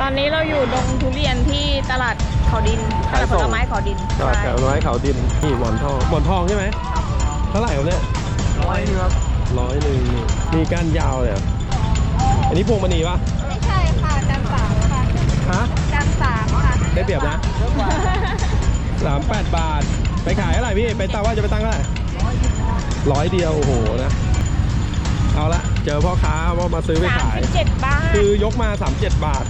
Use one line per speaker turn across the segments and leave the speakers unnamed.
ตอนนี้เราอยู่ดงทุเรียนที่ตลาดเขาดินตลาดผลไม้เขาดิน
ตลาดผลไม้เขาดินนี่หมอนทองใช่ไหมเท่าไหร่ครับเนี่ย100ครับ100มีก้านยาวเลยอันนี้พวงมณีปะ
ไม่ใช่ค่ะจันสามค่ะ
ฮะ
จันสามค่ะ
ได้เปรียบนะ38 บาทไปขายเท่าไหร่พี่ไปตาว่าจะไปตั้งเท่าไหร่100 เดียวโอ้โหนะเอาละเจอพ่อค้าว่ามาซื้อไปขาย
37 บาท
คือยกมา37 บาท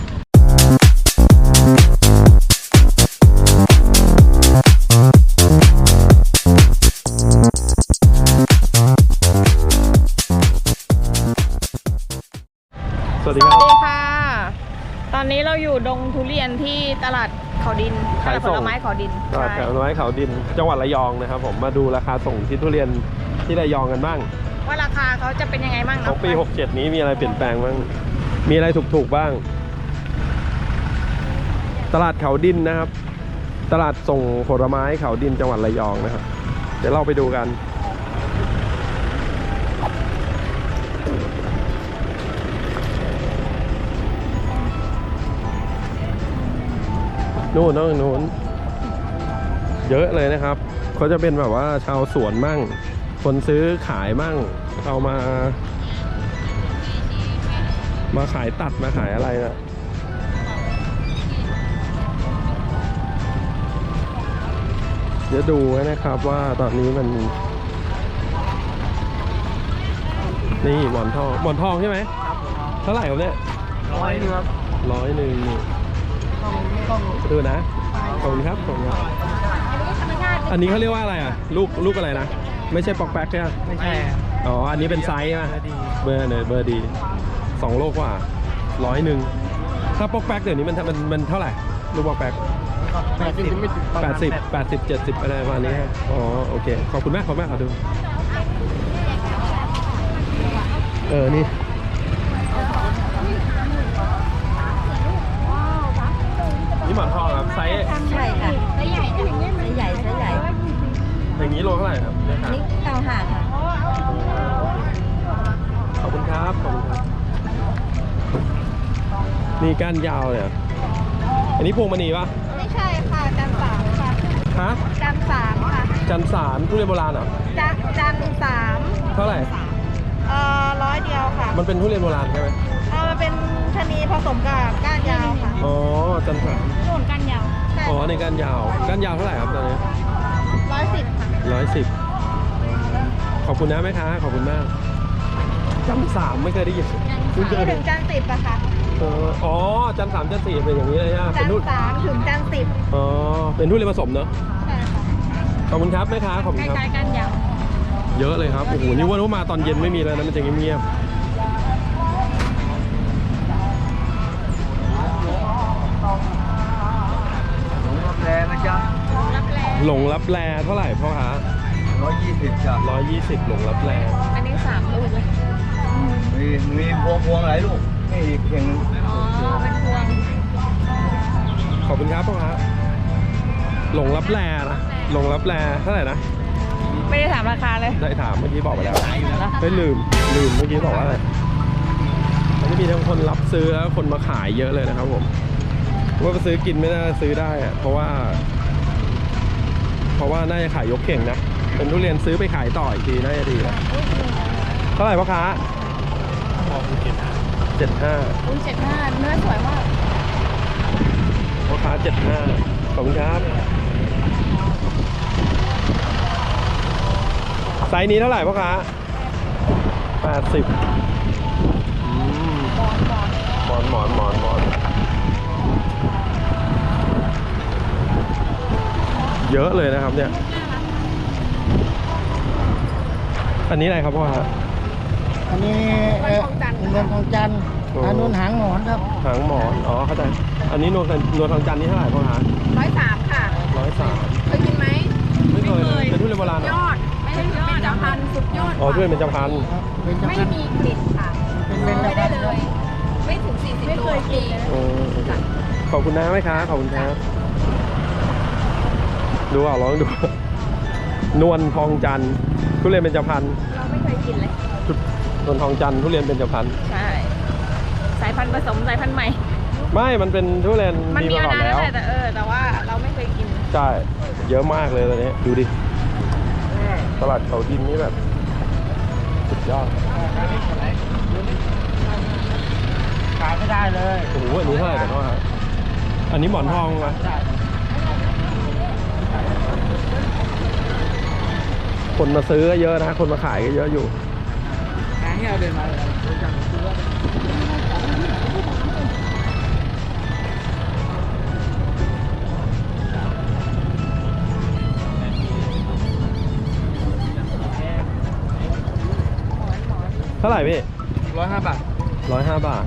สวัสดี
ค่ะตอนนี้เราอยู่ดงทุเรียนที่ตลาดเขาดินตลาดผลไม้เขาดิน
ตลาดผลไม้เขาดินจังหวัดระยองนะครับผมมาดูราคาส่งที่ทุเรียนที่ระยองกันบ้าง
ว่าราคาเขาจะเป็นยังไงบ้าง
ของปี67นี้มีอะไรเปลี่ยนแปลงบ้างมีอะไรถูกบ้างตลาดเขาดินนะครับตลาดส่งผลไม้เขาดินจังหวัดระยองนะครับเดี๋ยวเราไปดูกันนู่นเยอะเลยนะครับเขาจะเป็นแบบว่าชาวสวนมั่งคนซื้อขายมั่งเอามาขายตัดมาขายอะไรนะเดี๋ยวดูนะครับว่าตอนนี้มันนี่หมอนทองใช่ไหมเท่าไหร่ครับเนี่ย
100ครับ
100ดูนะขอบคุณครับอันนี้เขาเรียกว่าอะไรอ่ะลูกอะไรนะไม่ใช่ปอกแป๊กใช่ไหม
ไม่ใช่
อ๋ออันนี้เป็นไซส์นะเบอร์ดี2 โลกว่า100ถ้าปอกแป๊กเดี๋ยวนี้มันเท่าไหร่ลูกปอกแป๊ก80 70อะไรประมาณนี้อ๋อโอเคขอบคุณมากขอดูนี่นี่หมอนทองครับไซส์
ใช่ค่ะไซส์ใหญ่
อย่างนี้โลเท่าไหร่ครับ
นี่95ค่ะ
ขอบคุณครับนี่ก้านยาวเลยอันนี้พวงมณีปะ
ไม่ใช่ค่ะจันสามค่ะ
ฮะ
จันสามค่ะ
จันสามทุเรียนโบราณเหรอ
จันสาม
เท่าไหร่
100 เดียวค่ะ
มันเป็นทุเรียนโบราณใช่ไหม
มันเป็นชะนีผสมกับก้านยาวค่ะ
อ๋อจันสาม
โน่นก้านยาว
อ๋อในก้านยาวเท่าไหร่ครับตอนนี้
110ค่ะ
110ขอบคุณนะแม่ค้าขอบคุณมากจันสามไม่เคยได้ยิน
ถึงจัน10อะค่ะ
อ๋อจัน3จัน4เป็นอย่างนี้เลยฮะ
จัน3ถึงจัน10
อ๋อเป็นทุเรียนผสมเนอะ
ใช่ค่ะ
ขอบคุณครับแม่ค้าขอบคุณครับ
ใกล้ๆกันยาว
เยอะเลยครับโอ้โหนี่ว่ามาตอนเย็นไม่มีแล้วนะมันจะเงียบหลงรับแลเท่าไหร่พ่อคะ
120จ้ะ
120หลงรับแล
อันนี้3 ลูกเลย
มีพวงหลายลูกนี่อีกเพียง
อ๋อเป็นพวง
ขอบคุณครับพ่อคะหลงรับแลนะหลงรับแลเท่าไหร่นะ
ไม่ได้ถามราคาเลย
ได้ถามเมื่อกี้บอกไปแล้วไม่ลืมเมื่อกี้บอกว่าอะไรมันจะมีทั้งคนรับซื้อแล้วคนมาขายเยอะเลยนะครับผมว่าไปซื้อกินไม่น่าซื้อได้อะเพราะว่าน่าจะขายยกเข่งนะเป็นทุเรียนซื้อไปขายต่ออีกทีน่าจะดีนะเท่าไหร่พ่อค้า75
เนื้อสวยมาก
พ่อค้า75ขอบคุณครับไซส์นี้เท่าไหร่พ่อค้า80หมอนเยอะเลยนะครับเนี่ยอันนี้อะไรครับพ่อฮะ
อันนี้เงินทองจันทร์อันนู้นหางหมอนครับ
หางหมอนอ๋อเข้าใจอันนี้นวลทองจันทร์นี่เท่าไหร่พ่อฮะ
103ค่ะ
103
เคยกินไหม
ไม่เคยเป็นทุเรียนโบราณ
ยอดไม่ใช่เป็นจำพันสุดยอด
อ๋อทุเรียนเป็นจำพัน
ไม่มีกลิ่นค่ะไม่ได้เลยไม่ถึง40 ไม่เคยกิน
ขอบคุณนะแม่ค้าขอบคุณครับดูลองดูนวลทองจันทร์ทุเรียนเป็นจำพัน
เราไม่เคยกินเลย
นวลทองจันทร์ทุเรียนเป็นจำพัน
ใช่สายพันธุ์ผสมสายพันธุ์ใหม่
ไม่มันเป็นทุเรียน
มันมี
มาก่อน
มานาน
แล้
แล้ว
ว
แหละแต่ว่าเราไม่เคยกิน
ใช่เยอะมากเลยตอนนี้ดูดิตลาดเขาดินนี่แบบสุดยอด
ขายไม่ได้เลย
โอ้โหอันนี้เท่าไหร่แต่ก็ฮะอันนี้หมอนทองไหมคนมาซื้อก็เยอะนะคนมาขายก็เยอะอยู่
งานที่เราเดินมาเลย
เท่าไหร่พี่
105 บาท
105 บาท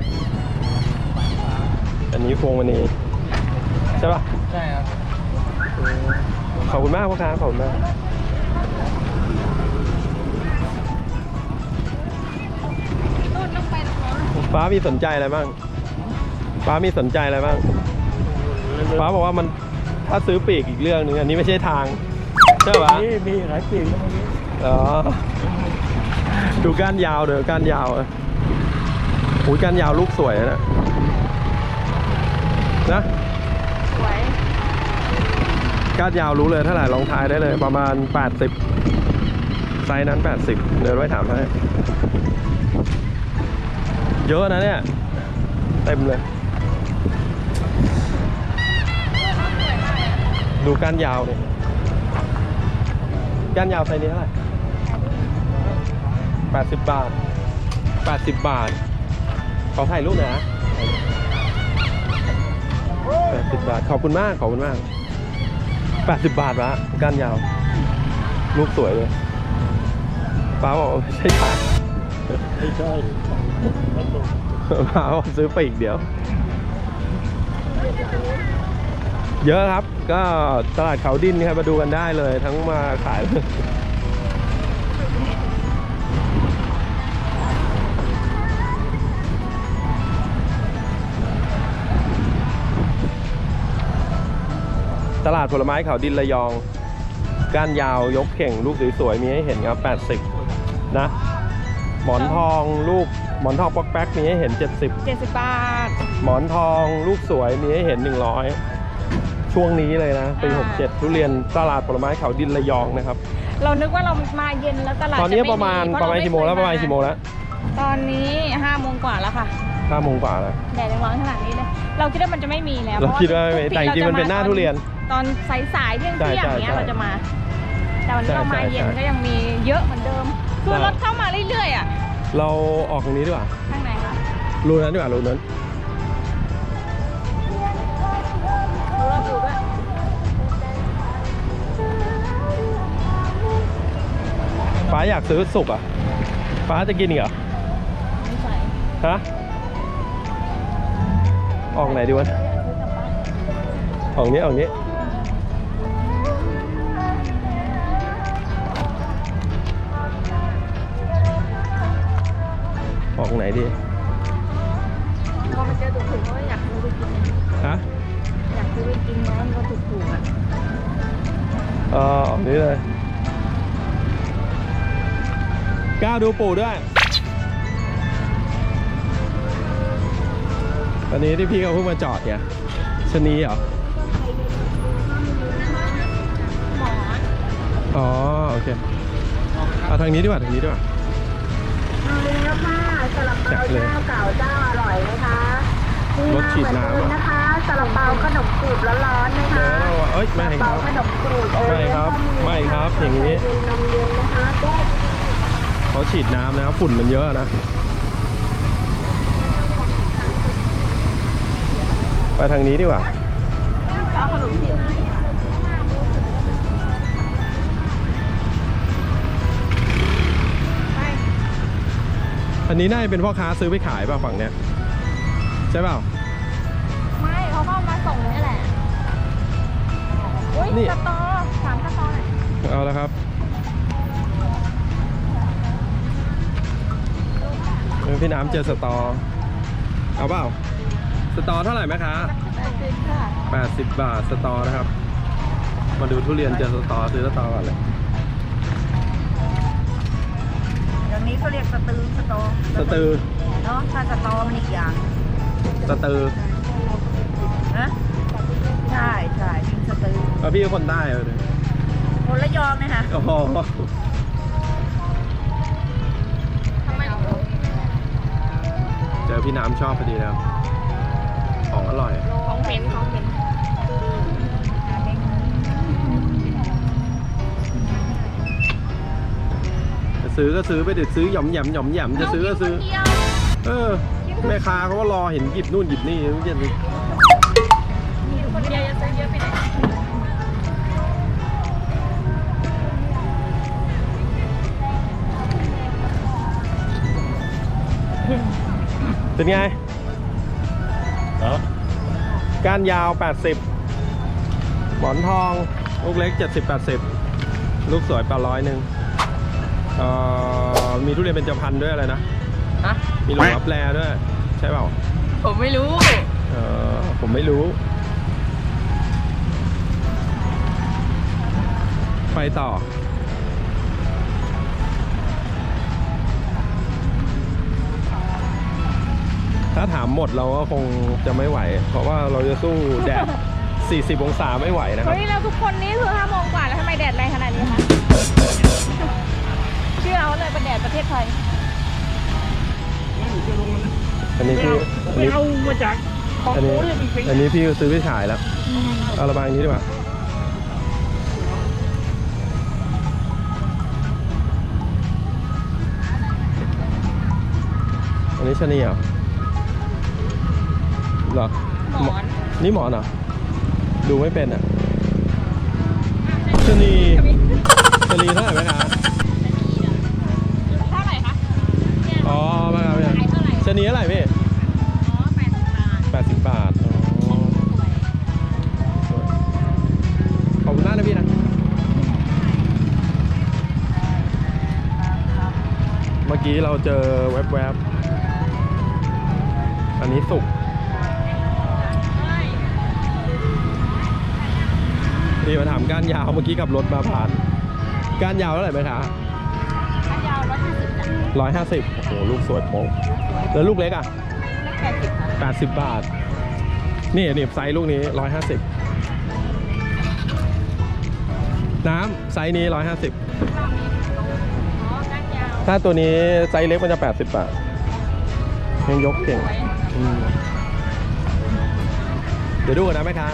อันนี้พวงมณีใช่ป่ะ
ใช่ครับ
ขอบคุณมากพ่อค้าขอบคุณมากฟ้ามีสนใจอะไรบ้างฟ้ามีสนใจอะไรบ้างฟ้าบอกว่ามันถ้าซื้อปีกอีกเรื่องนึงอันนี้ไม่ใช่ทางใช่ป่ะ
มีหลายปีก
อ๋อดูก้านยาวเดี๋ยวก้านยาวโอ้ยก้านยาวลูกสวยนะนะ
สวย
ก้านยาวรู้เลยเท่าไหร่ลองทายได้เลยประมาณ80ไซส์นั้น80เดี๋ยวไว้ถามให้เยอะนะเนี่ยเต็มเลยดูก้านยาวเนี่ยก้านยาวไซส์นี้เท่าไหร่80 บาท80 บาทขอถ่ายรูปหน่อยนะ80 บาทขอบคุณมากขอบคุณมาก80 บาทวะก้านยาวลูกสวยเลยป้าบอกไม่ใช่ทาง
ไม่ใช่
ป้าบอกซื้อไปอีกเดียวเยอะครับก็ตลาดเขาดินครับมาดูกันได้เลยทั้งมาขายเลยตลาดผลไม้เขาดินระยองก้านยาวยกเข่งลูกสวยๆมีให้เห็นครับ80นะหมอนทองลูกหมอนทองป๊อกแป๊กมีให้เห็น70
บาท
หมอนทองลูกสวยมีให้เห็น100ช่วงนี้เลยนะปี67ทุเรียนตลาดผลไม้เขาดินระยองนะครับ
เรานึกว่าเรามาเย็นแล้วตลาด
ตอนนี้
จไ
ประมาณ
เพ
กี่โมงแล้วประมาณกี่โมงแล้ว
ตอนนี้5 โมงกว่าแล้วค่ะ
5 โมงกว่าแล้ว
แดดยังร้อนขนาดนี้เลย เราคิดว่ามันจะไม่มีแล้ว
เราคิดว่าไม่มี
ทุกปี
แต่จริงๆมันเป็นหน้าทุเรียน
ตอนสายๆเที่ยง
ใช่
เที่ยง
ใช่
เนี้ย
ใช่
เราจะมา แต่วันนี้เรามา
ใช่
เย็น
ใช่
ก็ยังมีเยอะเหมือนเดิม คือ
ใช่
รถเข้ามาเรื่อยๆอ่ะ
เราออกตรงนี้ดีกว่า
ข้างในค่ะ
รูนั้นดีกว่ารูนั้น
รถอยู่ด้วย
ฟ้าอยากซื้อสุกอ่ะฟ้าจะกินอีกเหรอ
ไม่ใส่
ฮะออกไหนดีวะออกนี้ออกนี้ออกไหนดี
พอมาเจอถูกๆก็อยากซื้อไปกิน
ฮะ
อยากซื้อไปกินนะมันก็ถูกๆอ่ะ
ออกนี้เลยกล้าดูปู่ด้วยตอนนี้ที่พี่เขาเพิ่งมาจอดเนี่ยชะนีเหรอ
หมอน
อ๋อโอเคเอาทางนี้ดีกว่าทางนี้ดีกว่า
เอาแล้วค่ะซาลาเปา
จัดเลย
เจ้าเก่าเจ้าอร่อยไหมคะ
รสฉีดน้ำ
เหมือนเดิมนะคะซาลาเปาขนมกรูบร้อนๆนะคะ
เอ้ยไม่ค
ซา
รั
ลา
บ
เปาขนมกรูบ
ไม่ครับไม่ครับอย่างนี้
นี้นมเย็นนะคะแก้ว
เขาฉีดน้ำนะครับฝุ่นมันเยอะนะไปทางนี้ดีกว่า
เอาขนมจีบ
อันนี้น่าจะเป็นพ่อค้าซื้อไปขายป่ะฝั่งเนี้ยใช่เปล่า
ไม่เขาก็มาส่งนี่แหละ อุ้ย
นี่
สตอถามสตอหน่อย
เอาแล้วครับพี่น้ำเจอสตอเอาเปล่าสตอเท่าไหร่ไหมคะ
80ค่ะ
80 บาทสตอนะครับ มาดูทุเรียนเจอสตอซื้อสตอก่อนเลย
อย่างนี้เขาเรียกสตือ
สตือ
เนาะถ้าสตอมันอีกอย่าง
สตือ
นะใช่ใช่ยิงสตือ
แล้วพี่ก็คนใต้เลย
คนละยองนะคะ
โอ้โห
ทำไม
เจอพี่น้ำชอบพอดีนะครับของอร่อย
ของเหม็นของเหม็น
จะซื้อก็ซื้อไปเดี๋ยวซื้อหย่อมแหยมหย่อมแหยมจะซื้อก็ซื้อ เออแม่ค้าเขาก็รอเห็นหยิบนู่นหยิบนี่ไม่ใช่
คนเดียวจะซื้อเยอะไปไหน
เป็นไงก้านยาว 80 หมอนทอง ลูกเล็ก 70-80 ลูกสวย800 นึงมีทุเรียนเป็นเจพันธุ์ด้วยอะไรนะ
ฮะ
มีหลงรับแลด้วย ใช่เปล่า
ผมไม่รู้
ผมไม่รู้ ไปต่อ ถ้าถามหมดเราก็คงจะไม่ไหว เพราะว่าเราจะสู้แดด 40 องศาไม่ไหวนะครับ
เฮ้ยแล้วทุกคนนี่คือ5 โมงกว่าแล้วทำไมแดดแรงขนาดนี้คะเชื่อเขาเลยเป็นแดดประเทศไทย
อันนี้พี่
ไม่เอามาจากของ
อัน
โอ้
นี้
ยจริง
อันนี้พี่ซื้อไปขายแล้ว เอาระบายอย่างนี้ดีกว่า อันนี้ชะนีเหรอเหรอ
หมอน
นี่หมอนเหรอ ดูไม่เป็นอ่ะชะนีชะนีเท่าไหร่ไหมคะ
เท่าไหร่คะเนี่ย
อ๋อมาครับพี่
ขายเท่าไหร่
ชะนีเท่าไหร่พี่
อ๋อ80 บาท
80 บาทอ๋อขอบคุณมากนะพี่นะ เมื่อกี้เราเจอแวบๆ อันนี้สุกนี่มาถามก้านยาวเมื่อกี้กับรถมาผ่านก้านยาวเท่าไหร่ไหมคะ
ถ้ายาว150จ้ะ
150 โอ้โห ลูกสวยโป๊ะแล้วลูกเล็กอ่ะ
80
80 บาท นี่ไซส์ลูกนี้ 150 น้ำไซส์นี้ 150
อ๋อก้านยาว
ถ้าตัวนี้ไซส์เล็กมันจะ 80 บาทยังยกเก่ง
สวย
อืมเดี๋ยวดูกันนะแม่ค้า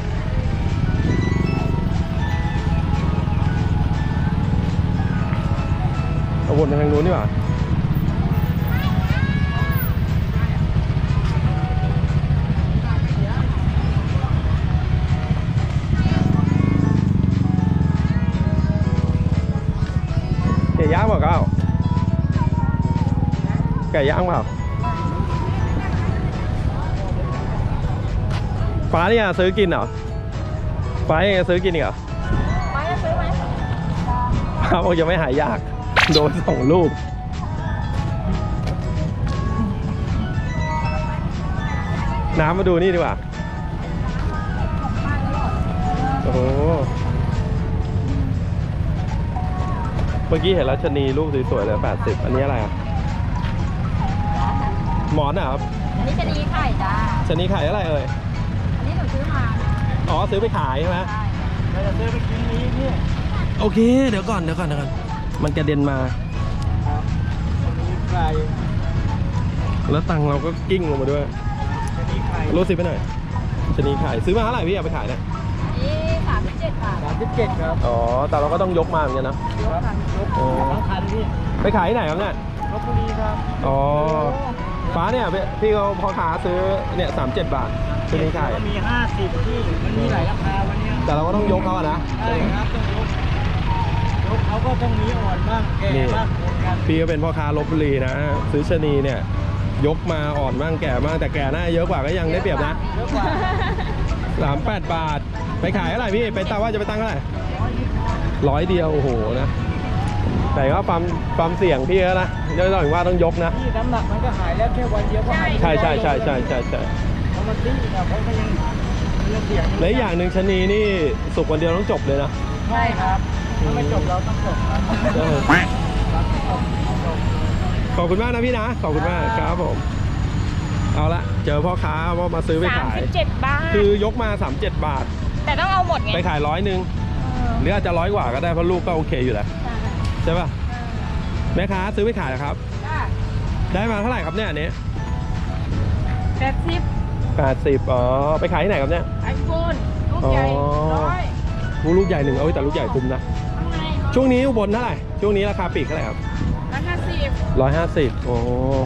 เอาวนไปทางนู้นดีกว่าไก่ย่างเปล่าก้าวไก่ย่างเปล่าฟ้าเนี่ยซื้อกินเหรอฟ้ายังซื้อกินอีกเหรอ
ไปจะซื้อไหม
ฟ้าบอกจะไม่หายยาก โดน2 ลูก น้ำมาดูนี่ดีกว่า โอ้โห เมื่อกี้เห็นแล้วชะนีลูกสวยๆเลย80 อันนี้อะไรอ่ะ หมอนอ่ะครับ
อันนี้จะดีไข่จ้า
ชะนีขายอะไรเอ่ย
อันนี้หนูซื้อมา
อ๋อ ซื้อไปขายใช่ไหม
ๆเราจะซื้อไปกินนี้เนี่ย
โอเค เดี๋ยวก่อน มันกระเด็นมา
ครับอันนี้ไก่
แล้วตังค์เราก็กิ้งลงมาด้วย
จะมีไข่
รูดซิปไปหน่อยชะนีขาย ซื้อมาเท่าไหร่พี่เอาไปขายเนี่ย
นี่37 บาท
37ครับ
อ๋อ แต่เราก็ต้องยกมาเหมือนกันนะ
ครับยกทั้งคันพี่
ไปขายที่ไหนครับเนี่ย
ลพบุรีครับ
อ๋อ ฟ้าเนี่ยพี่เขาพ่อค้าซื้อเนี่ย37 บาทชะนีขาย
ก็มี50ที่มันมีหลายราคาวันเนี้ย
แต่เราก็ต้องยกเขาอะนะ
ใช่ครับต้องยกเขาก็ต้องมีอ่อนบ้างแก่บ้างเหมือนกัน
พี่ก็เป็นพ่อค้าลพบุรีนะ ซื้อชะนีเนี่ย ยกมาอ่อนบ้างแก่บ้างแต่แก่หน้าเยอะกว่าก็ยังได้เปรียบนะ
เยอะกว่า
38 บาท ไปขายเท่าไหร่พี่ ไปตาว่าจะไปตั้งเท่าไหร่100 เดียว โอ้โหนะ แต่ก็ความเสี่ยงพี่ก็นะเดี๋ยวต้องว่าต้องยกนะ
ที่น้ำหนักมันก็หายแล้วแค่วันเดียวก็หาย
ใช่เพราะ
มันดิ้นนะเพราะมันยังเสี่ยง
และอีกอย่างหนึ่งชะนีนี่สุกวันเดียวต้องจบเลยนะ
ใช่ครับถ้าไม่จบเราต้องจบครับ
ขอบคุณมากนะพี่นะ ขอบคุณมากครับผมเอาละเจอพ่อค้าว่ามาซื้อไปขาย
37 บาท
คือยกมา37 บาท
แต่ต้องเอาหมดไง
ไปขาย100นึงหรืออาจจะ100 กว่าก็ได้เพราะลูกก็โอเคอยู่แล้วใช่ป่ะแม่ค้าซื้อไปขายเหรอครับ ได้มาเท่าไหร่ครับเนี่ยอันนี้ 80 อ๋อไปขายที่ไหนครับเนี่ย
ไอโฟนลูกใหญ่
อ๋อ
100
ลูกใหญ่หนึ่งเอาแต่ลูกใหญ่คุ้มนะ
ข้างใน
ช่วงนี้อุบลเท่าไหร่ช่วงนี้ราคาปลีกเท่าไหร่ครับ
150
150โอ้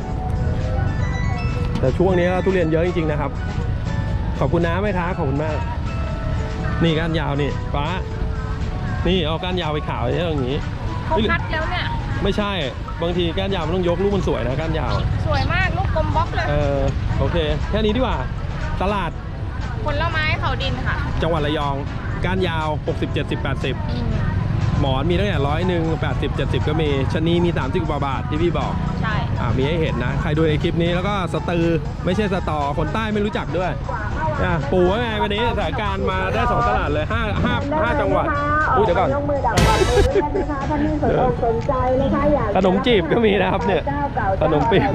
แต่ช่วงนี้ทุเรียนเยอะจริงๆนะครับขอบคุณนะแม่ค้าขอบคุณมากนี่ก้านยาวนี่ฟ้านี่เอาก้านยาวไปขายอย่างนี้
เขาคัดแล้วเนี่ย
ไม่ใช่บางทีก้านยาวมันต้องยกลูกมันสวยนะก้านยาว
สวยมากลูกกลมบล็อกเลย
โอเคแค่นี้ดีกว่าตลาด
ผลไม้เขาดินค่ะ
จังหวัดระยองก้านยาว60 70 80หมอนมีตั้งแต่100 80 70ก็มีชะนีมี30 กว่าบาทที่พี่บอก
ใช่
มีให้เห็นนะใครดูในคลิปนี้แล้วก็สตือไม่ใช่สตอคนใต้ไม่รู้จักด้วยปู่ว่าไงวันนี้สถานการณ์มาได้2ตลาดเลย5จังหวัดอุ้ยเดี๋ยวก่อน
ยกมือดับก่อนเลยนะคะท่านที่สนอกสนใจนะคะอยาก
ขนมจีบก็มีนะครับเนี่ยขนมปี๊บ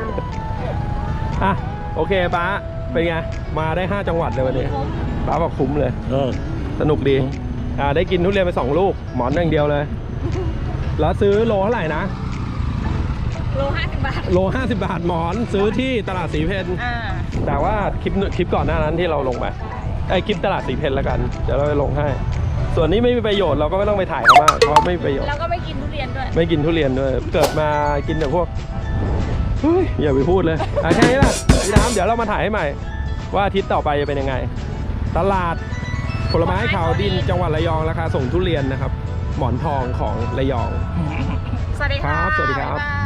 โอเคป้าเป็นไงมาได้5จังหวัดเลยวันนี้ป้าบอกคุ้มเลยสนุกดีได้กินทุเรียนไป2 ลูกหมอนอย่างเดียวเลยแล้วซื้อโลเท่าไหร่นะ
โล50 บาท
โล50 บาทหมอนซื้อที่ตลาดสีเพนแต่ว่าคลิปก่อนหน้านั้นที่เราลงไปคลิปตลาดสีเพนแล้วกันเดี๋ยวเราไปลงให้ส่วนนี้ไม่มีประโยชน์เราก็ไม่ต้องไปถ่ายเขามากเพราะไม่มีประโยชน์
แล้วก็ไม่กินทุเรียนด้วย
ไม่กินทุเรียนด้วยเกิดมากินแต่พวกเฮ้ยอย่าไปพูดเลยแค่นี้แหละพี่น้ำเดี๋ยวเรามาถ่ายให้ใหม่ว่าอาทิตย์ต่อไปจะเป็นยังไงตลาดผลไม้ขาวดินจังหวัดระยองราคาส่งทุเรียนนะครับหมอนทองของระยอง
สวัสดี
ครั
ค่ะ
บสวัสดีครับ
บ๊ายบาย